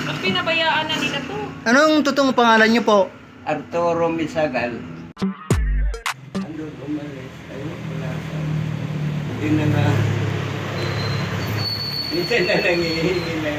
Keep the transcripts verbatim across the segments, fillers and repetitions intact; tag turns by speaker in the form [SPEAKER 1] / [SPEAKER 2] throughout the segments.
[SPEAKER 1] Ba't pinabayaan na nila to?
[SPEAKER 2] Anong totoong pangalan niyo po?
[SPEAKER 3] Arturo Misagal. Andun umalis. Ayun, wala ka. Hindi na nga. Minsan na nangihingi na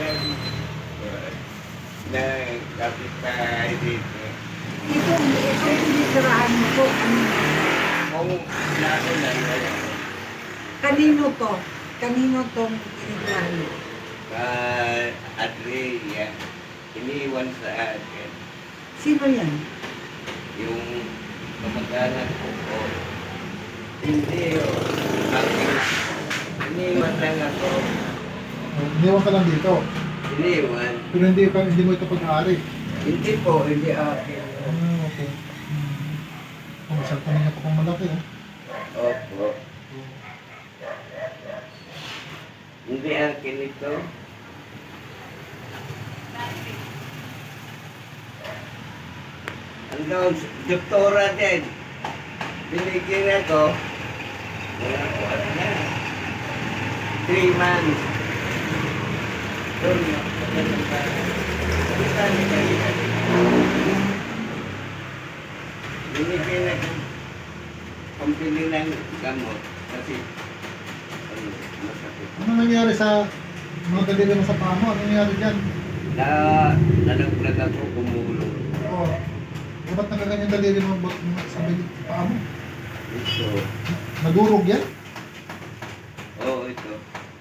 [SPEAKER 3] na kapitbahay dito.
[SPEAKER 4] Ito, ito tinitirahan mo po.
[SPEAKER 3] Kung lalo na wala.
[SPEAKER 4] Kanino to? Kanino tong tinitirahan mo?
[SPEAKER 3] Ah, Adria, iniwan sa akin.
[SPEAKER 4] Sino yan?
[SPEAKER 3] Yung kamag-anak ko po. Hindi, oh. Aking iniwan lang ako.
[SPEAKER 5] Iniwan ka lang dito.
[SPEAKER 3] Iniwan.
[SPEAKER 5] Pero hindi, ka, hindi mo ito pag-aari.
[SPEAKER 3] Hindi po, hindi akin.
[SPEAKER 5] Ah, okay. Kung oh, isang kanina pa kung malaki, eh.
[SPEAKER 3] Opo. Hindi akin ito. Hanggang doktora din. Binigyan ako. Wala ko ano na. Three months. Doon na. Binigyan ako. Pambili ng gamot. Kasi ano, masakit.
[SPEAKER 5] Ano nangyari sa mga daliri mo sa paa mo? Ano nangyari dyan?
[SPEAKER 3] Na nalaglag ako kumulong.
[SPEAKER 5] Oo. Oh, ba't nakaganyan daliri mo ba't sa bilit paa mo?
[SPEAKER 3] Ito.
[SPEAKER 5] Nagurog yan?
[SPEAKER 3] Oo, ito.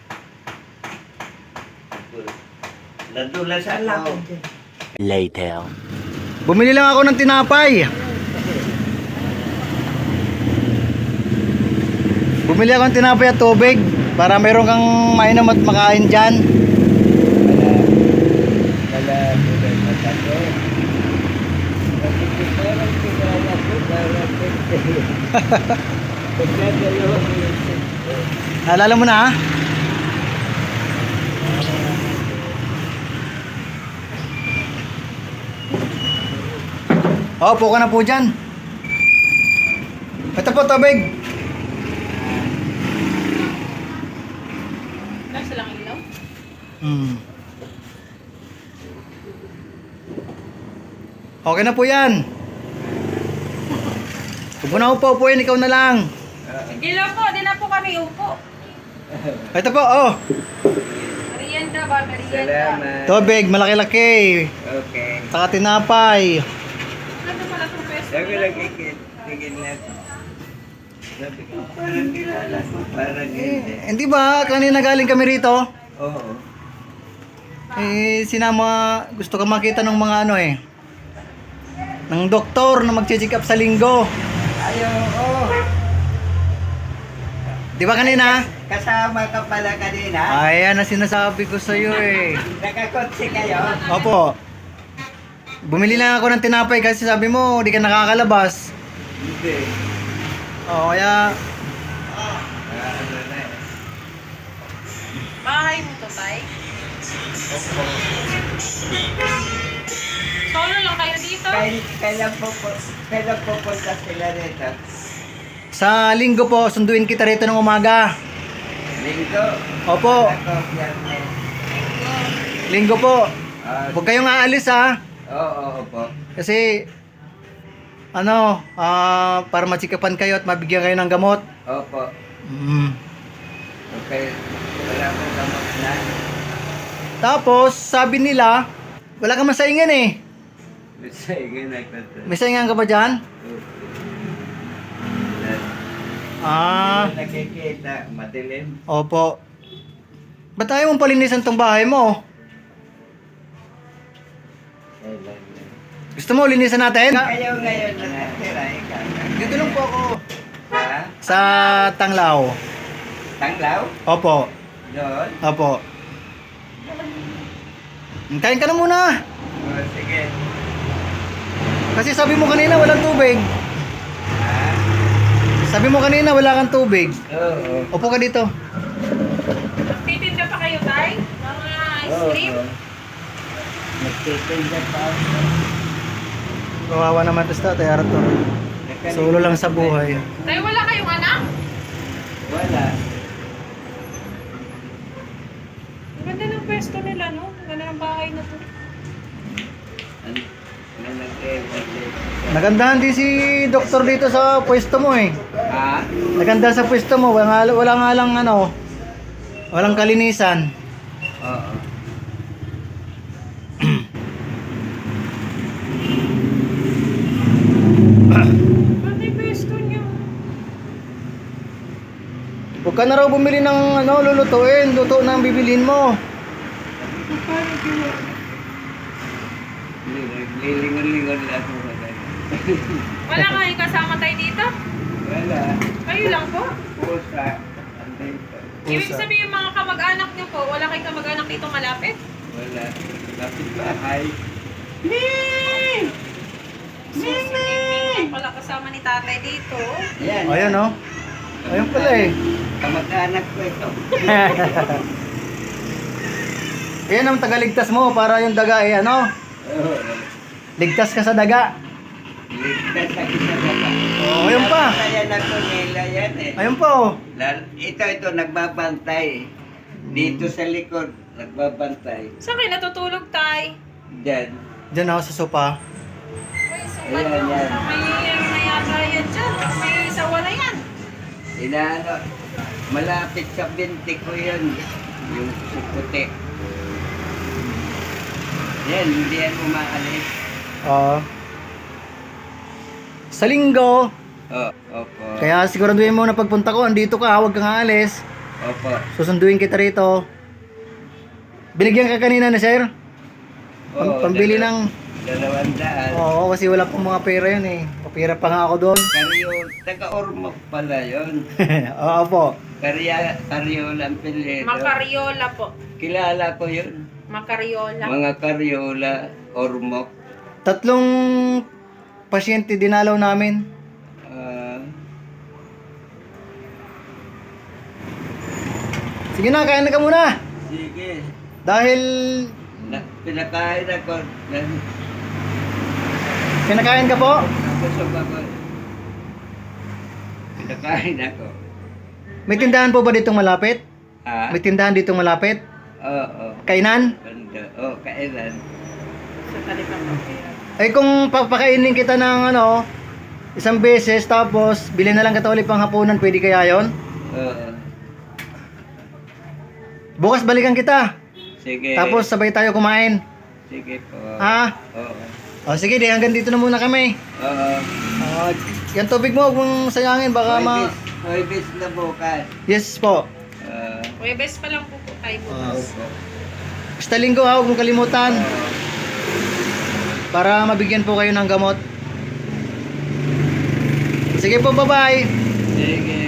[SPEAKER 3] Ito. Nadulas
[SPEAKER 4] Wala
[SPEAKER 3] ako.
[SPEAKER 4] ko dyan.
[SPEAKER 2] Later. Bumili lang ako ng tinapay. Bumili ako ng tinapay at tubig para meron kang mainom at makain dyan.
[SPEAKER 3] Wala. Wala. Wala. Matato. Kasi parang kilala ko. Parang pagkakalawa mo yung sento.
[SPEAKER 2] Alala mo na ha? Oh, po ka na po dyan. Ito po, tubig.
[SPEAKER 1] Nasa lang ilaw?
[SPEAKER 2] Hmm. Okay na po yan. Huwag mo na upo, upuin, ikaw na lang.
[SPEAKER 1] Sige lang po, di na po kami upo.
[SPEAKER 2] Ito po, oh.
[SPEAKER 1] Merienda ba? Merienda.
[SPEAKER 3] Salamat.
[SPEAKER 2] Tubig, malaki-laki.
[SPEAKER 3] Okay.
[SPEAKER 2] Saka tinapay.
[SPEAKER 1] Ano pala itong pwesto
[SPEAKER 3] Sabi
[SPEAKER 1] nila?
[SPEAKER 3] lang ikit. Tingin na. Sabi ko, parang kilala ko. Parang hindi.
[SPEAKER 2] Eh, hindi ba? Kanina galing kami rito.
[SPEAKER 3] Oo.
[SPEAKER 2] Eh, sinama, gusto ka makita ng mga ano eh. Ng doktor na mag-check up sa linggo.
[SPEAKER 3] Ayaw, oo.
[SPEAKER 2] Di ba kanina?
[SPEAKER 3] Kasama ka pala kanina?
[SPEAKER 2] Ayan na sinasabi ko sa iyo eh.
[SPEAKER 3] Nakakotse kayo?
[SPEAKER 2] Opo. Bumili lang ako ng tinapay kasi sabi mo, di ka nakakalabas.
[SPEAKER 3] Hindi.
[SPEAKER 2] Oo, kaya
[SPEAKER 3] Ah, ano na eh.
[SPEAKER 1] Bahay mo to, tay?
[SPEAKER 3] Opo.
[SPEAKER 1] Solo lang kayo dito?
[SPEAKER 3] Kailan, kailan po po, kailan po punta sila rito?
[SPEAKER 2] sa linggo po, sunduin kita rito ng umaga.
[SPEAKER 3] Linggo?
[SPEAKER 2] Opo,
[SPEAKER 3] Ako, biyernes.
[SPEAKER 2] linggo po.
[SPEAKER 3] Ah,
[SPEAKER 2] Huwag kayong aalis ha.
[SPEAKER 3] Oo, oo, opo.
[SPEAKER 2] Kasi, ano, ah para matsikapan kayo at mabigyan kayo ng gamot.
[SPEAKER 3] Opo.
[SPEAKER 2] Mm.
[SPEAKER 3] Okay. Wala akong gamot na.
[SPEAKER 2] Tapos, sabi nila, wala kang masaingan eh.
[SPEAKER 3] Sige, nagtata.
[SPEAKER 2] May saingan ka ba dyan? Ah,
[SPEAKER 3] Nakikita, madilim.
[SPEAKER 2] opo. Ba't ayaw mong palinisan tong bahay mo?
[SPEAKER 3] Kailan na.
[SPEAKER 2] Gusto mo linisan natin?
[SPEAKER 3] Kayo ngayon na natira, ikaw.
[SPEAKER 2] Dito lang po ako.
[SPEAKER 3] Ha?
[SPEAKER 2] Sa Tanglaw.
[SPEAKER 3] Tanglaw?
[SPEAKER 2] Opo.
[SPEAKER 3] Doon?
[SPEAKER 2] Opo. Kain ka na muna.
[SPEAKER 3] O, sige.
[SPEAKER 2] Kasi sabi mo kanina walang tubig.
[SPEAKER 3] Ha?
[SPEAKER 2] Sabi mo kanina wala kang tubig.
[SPEAKER 3] Oo.
[SPEAKER 2] Upo ka dito.
[SPEAKER 1] Nagtitinda pa kayo, tay? Mga ice cream?
[SPEAKER 3] Oo. Nagtitinda pa ako.
[SPEAKER 2] Kawawa naman to sa Tatay Arthur. Solo lang sa buhay.
[SPEAKER 1] Tay, wala kayong anak?
[SPEAKER 3] Wala.
[SPEAKER 1] Ang ganda ng pwesto nila, no? Ang ganda ng bahay na to.
[SPEAKER 2] Nagandahan din si doktor dito sa pwesto mo eh.
[SPEAKER 3] Ha?
[SPEAKER 2] Naganda sa pwesto mo, wala, wala nga lang ano, walang kalinisan.
[SPEAKER 3] Oo.
[SPEAKER 1] Pati pesto niyo.
[SPEAKER 2] Huwag ka na raw bumili ng ano, lulutuin, luto na ang bibilin mo.
[SPEAKER 3] Lilingon-lingon lang ako sa kanya.
[SPEAKER 1] Wala kayong kasama tayo dito?
[SPEAKER 3] Wala.
[SPEAKER 1] Kayo lang po?
[SPEAKER 3] Pusa. Anday pa.
[SPEAKER 1] Ibig sabihin mga kamag-anak niyo po, wala kayong kamag-anak dito malapit?
[SPEAKER 3] Wala. Lapit bahay.
[SPEAKER 1] Ming! Wala kasama ni tatay dito.
[SPEAKER 3] Yan.
[SPEAKER 2] Ayan oh. Ayun pala eh.
[SPEAKER 3] Kamag-anak ko ito.
[SPEAKER 2] Yan ang tagaligtas mo para yung daga eh ano,
[SPEAKER 3] Oo.
[SPEAKER 2] ligtas ka sa daga.
[SPEAKER 3] Ligtas sa isa na ba?
[SPEAKER 2] Oh, ayun pa.
[SPEAKER 3] Ayan ako nila yan eh.
[SPEAKER 2] Ayun pa oh.
[SPEAKER 3] Lal- Ito, ito, nagbabantay. Dito sa likod, nagbabantay.
[SPEAKER 1] Saan kayo natutulog tay?
[SPEAKER 3] Diyan.
[SPEAKER 2] Diyan ako sa sopa.
[SPEAKER 1] Uy, sukat
[SPEAKER 3] Ayan,
[SPEAKER 1] mo.
[SPEAKER 3] yan.
[SPEAKER 1] May ano na yata yan dyan. May sawa na yan.
[SPEAKER 3] Inaano, malapit sa binti ko yun. Yung suputi. Yan, hindi yan umaalis.
[SPEAKER 2] Oo. Sa linggo,
[SPEAKER 3] Oh, opo.
[SPEAKER 2] kaya siguraduhin mo na pagpunta ko, andito ka, huwag kang aalis.
[SPEAKER 3] Opo.
[SPEAKER 2] Susunduin kita rito. Binigyan ka kanina na sir? Pam-
[SPEAKER 3] Oo,
[SPEAKER 2] pambili
[SPEAKER 3] dalaw-
[SPEAKER 2] ng...
[SPEAKER 3] Dalawang daan.
[SPEAKER 2] Oo, kasi wala pang mga pera yun eh. Papira pa nga ako doon.
[SPEAKER 3] Karyo, taga-ormok pala yun.
[SPEAKER 2] Oo po.
[SPEAKER 3] Karya, karyola ang pilido.
[SPEAKER 1] Makariola po.
[SPEAKER 3] Kilala ko yun.
[SPEAKER 1] Makariola.
[SPEAKER 3] Mga karyola, ormok.
[SPEAKER 2] Tatlong pasyente dinalaw namin.
[SPEAKER 3] Ah,
[SPEAKER 2] Sige na, kain na ka muna.
[SPEAKER 3] sige.
[SPEAKER 2] Dahil
[SPEAKER 3] Na, pinakain ako. Na,
[SPEAKER 2] kinakain ka po.
[SPEAKER 3] Nabusog ako. Pinakain ako.
[SPEAKER 2] May tindahan po ba ditong malapit?
[SPEAKER 3] Ah,
[SPEAKER 2] May tindahan ditong malapit?
[SPEAKER 3] oo.
[SPEAKER 2] Kainan?
[SPEAKER 3] Banda. Oh, kailan?
[SPEAKER 1] Sa talipan po.
[SPEAKER 2] Ay kung papakainin kita ng ano, isang beses tapos bilhin na lang kita ulit pang hapunan, pwede kaya yon?
[SPEAKER 3] Oo.
[SPEAKER 2] Bukas balikan kita.
[SPEAKER 3] Sige.
[SPEAKER 2] Tapos sabay tayo kumain.
[SPEAKER 3] Sige po.
[SPEAKER 2] Ha?
[SPEAKER 3] Oo.
[SPEAKER 2] O sige, di hanggang dito na muna kami.
[SPEAKER 3] Oo.
[SPEAKER 2] Ah, yan tubig mo, huwag mong sayangin, baka ma...
[SPEAKER 3] Hoybis, hoybis na bukas.
[SPEAKER 2] Yes po.
[SPEAKER 3] Ah,
[SPEAKER 1] Webes pa lang po po tayo
[SPEAKER 2] Ah,
[SPEAKER 1] bukas.
[SPEAKER 3] opo.
[SPEAKER 2] basta linggo ha, huwag mong kalimutan.
[SPEAKER 3] Oo.
[SPEAKER 2] Para mabigyan po kayo ng gamot. Sige po, bye-bye.
[SPEAKER 3] Sige.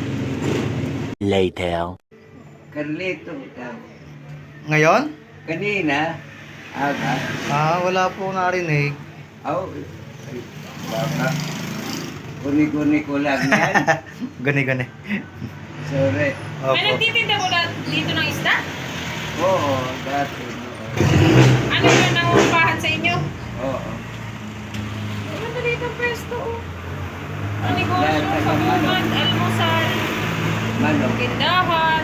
[SPEAKER 6] Later.
[SPEAKER 3] Carlito, ikaw.
[SPEAKER 2] Ngayon?
[SPEAKER 3] Kanina, aga.
[SPEAKER 2] Ah, wala po narinig.
[SPEAKER 3] Aw, ay, baka. Guni-guni ko lang yan.
[SPEAKER 2] Gani-gani.
[SPEAKER 3] Sorry.
[SPEAKER 1] May
[SPEAKER 2] Opo.
[SPEAKER 1] nagtitinda ko na dito ng isda?
[SPEAKER 3] Oo, dati. oo.
[SPEAKER 1] Ano yung nangungupahan sa inyo?
[SPEAKER 3] Oo.
[SPEAKER 1] Ano dito ang pwesto? oh. Ang negosyo,
[SPEAKER 3] Lahat ng
[SPEAKER 1] sabugan,
[SPEAKER 3] ano.
[SPEAKER 1] almusal,
[SPEAKER 3] Manok.
[SPEAKER 1] tindahan,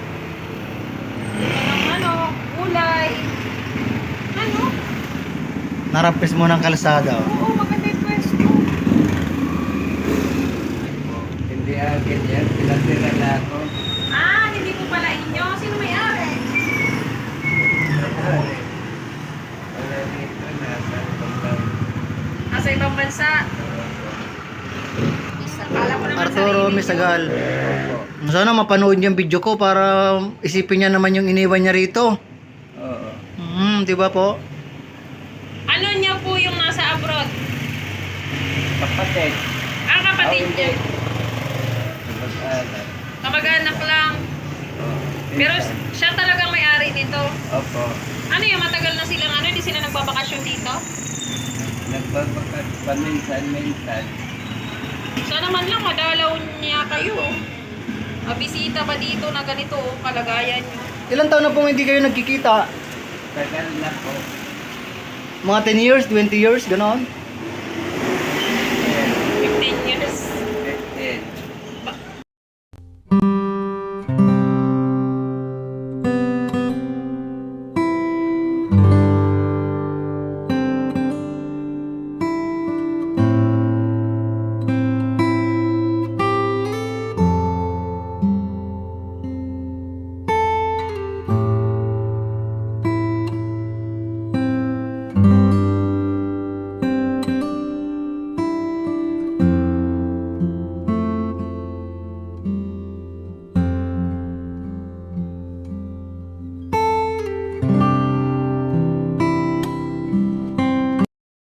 [SPEAKER 1] ng ano, gulay. Ano?
[SPEAKER 2] Narapis mo ng kalsada. oh.
[SPEAKER 1] Oo, maganda yung pwesto.
[SPEAKER 3] Hindi akin yan. Pinatira na ako.
[SPEAKER 1] Ah, hindi po pala inyo. Sino may-ari?
[SPEAKER 3] Wala dito na. Sa pagkaw.
[SPEAKER 1] Nasa ibang bansa. Akala ko naman
[SPEAKER 2] Arturo
[SPEAKER 1] sarili
[SPEAKER 2] Misagal.
[SPEAKER 3] Opo.
[SPEAKER 2] Sana mapanood niya yung video ko para isipin niya naman yung iniwan niya rito.
[SPEAKER 3] Oo.
[SPEAKER 2] Hmm, di ba po?
[SPEAKER 1] niyo. Ano niya po yung nasa abroad?
[SPEAKER 3] Kapatid.
[SPEAKER 1] Ang kapatid
[SPEAKER 3] Ako
[SPEAKER 1] niya.
[SPEAKER 3] hindi. Kapag-anak.
[SPEAKER 1] Kamag-anak lang.
[SPEAKER 3] Oo.
[SPEAKER 1] Pero siya talagang may-ari nito.
[SPEAKER 3] Opo.
[SPEAKER 1] Ano yung matagal na silang ano? Hindi sila nagbabakasyon dito?
[SPEAKER 3] Nagbabakat paminsan-minsan.
[SPEAKER 1] Sana man lang madalaw niya kayo. Mabisita ba dito na ganito oh, kalagayan niyo?
[SPEAKER 2] Ilan taon na pong hindi kayo nagkikita?
[SPEAKER 3] Tagal na po.
[SPEAKER 2] Mga ten years, twenty years, ganon?